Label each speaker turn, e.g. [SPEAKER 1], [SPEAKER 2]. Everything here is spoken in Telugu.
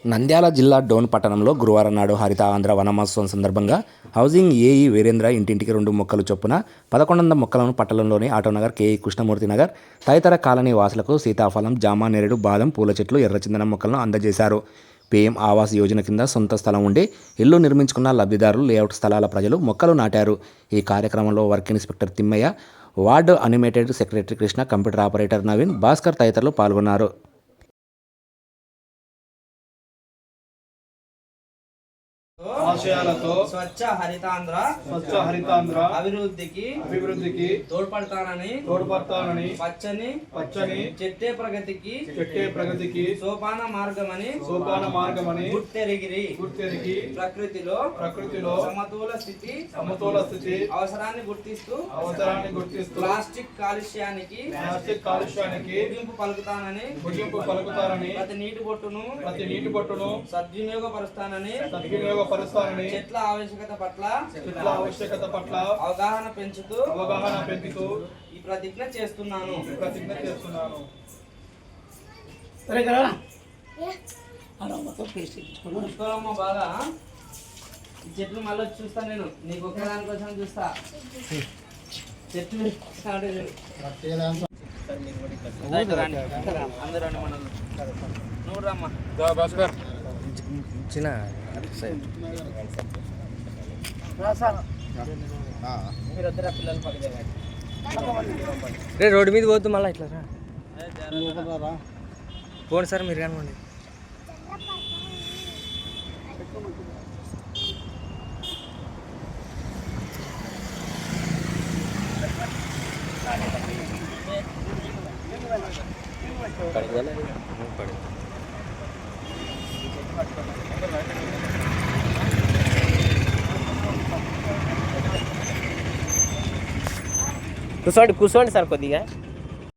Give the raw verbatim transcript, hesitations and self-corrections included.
[SPEAKER 1] నంద్యాల జిల్లా డోన్ పట్టణంలో గురువారం నాడు హరిత ఆంధ్ర వనమహోత్సవం సందర్భంగా హౌసింగ్ ఏఈ వీరేంద్ర ఇంటింటికి రెండు మొక్కలు చొప్పున పదకొండు వందల మొక్కలను పట్టణంలోని ఆటోనగర్ కేఈ కృష్ణమూర్తి నగర్ తదితర కాలనీ వాసులకు సీతాఫలం, జామ, నేరేడు, బాదం, పూల చెట్లు, ఎర్రచందనం మొక్కలను అందజేశారు. పీఎం ఆవాస్ యోజన కింద సొంత స్థలం ఉండి ఇల్లు నిర్మించుకున్న లబ్ధిదారులు, లేఅవుట్ స్థలాల ప్రజలు మొక్కలు నాటారు. ఈ కార్యక్రమంలో work inspector Thimmaiah, ward amenities secretary Krishna, computer operator Naveen, Bhaskar తదితరులు పాల్గొన్నారు.
[SPEAKER 2] ఆశయాలతో
[SPEAKER 3] స్వచ్ఛ హరితాంధ్ర
[SPEAKER 2] స్వచ్ఛ హరితాంధ్ర
[SPEAKER 3] అభివృద్ధికి
[SPEAKER 2] అభివృద్ధికి
[SPEAKER 3] తోడ్పడతానని
[SPEAKER 2] తోడ్పడతానని
[SPEAKER 3] పచ్చని
[SPEAKER 2] పచ్చని
[SPEAKER 3] చెట్టే ప్రగతికి
[SPEAKER 2] చెట్టే ప్రగతికి
[SPEAKER 3] సోపాన మార్గమని
[SPEAKER 2] సోపాన మార్గమని
[SPEAKER 3] గుర్తెరిగిరి
[SPEAKER 2] గుర్తెరిగి
[SPEAKER 3] ప్రకృతిలో
[SPEAKER 2] ప్రకృతిలో
[SPEAKER 3] సమతూల స్థితి
[SPEAKER 2] సమతోల స్థితి
[SPEAKER 3] అవసరాన్ని గుర్తిస్తూ
[SPEAKER 2] అవసరాన్ని గుర్తిస్తూ
[SPEAKER 3] ప్లాస్టిక్ కాలుష్యానికి
[SPEAKER 2] ప్లాస్టిక్ కాలుష్యానికి
[SPEAKER 3] ముగింపు పలుకుతానని
[SPEAKER 2] ముగింపు పలుకుతారని
[SPEAKER 3] ప్రతి నీటి బొట్టును
[SPEAKER 2] ప్రతి నీటి బొట్టును
[SPEAKER 3] సద్వినియోగపరుస్తానని
[SPEAKER 2] సద్వినియోగపరుస్తారని
[SPEAKER 3] చెట్ల ఆవశ్యకత పట్ల
[SPEAKER 2] చెట్ల ఆవశ్యకత పట్ల
[SPEAKER 3] అవగాహన పెంచుతూ
[SPEAKER 2] అవగాహన పెంచుతూ
[SPEAKER 3] ఈ ప్రతిజ్ఞ చేస్తున్నాను
[SPEAKER 2] ప్రతిజ్ఞ చేస్తున్నాను.
[SPEAKER 3] చూసుకోవాలమ్మా బాగా. ఈ చెట్లు మళ్ళీ వచ్చి చూస్తా నేను, నీకు ఒకే దానికోసం చూస్తా. చెట్లు స్టార్ట్ అందరూ రండి మనల్ని. నువ్వు రమ్మా
[SPEAKER 1] చిన్న
[SPEAKER 3] మీరు వద్దరా పిల్లలు పక్కన
[SPEAKER 1] రే రోడ్డు మీద పోతు మళ్ళీ ఇట్లా పోండి సార్, మీరు కనుకోండి.
[SPEAKER 4] కూర్చోండి కూర్చోండి సార్ కొద్దిగా.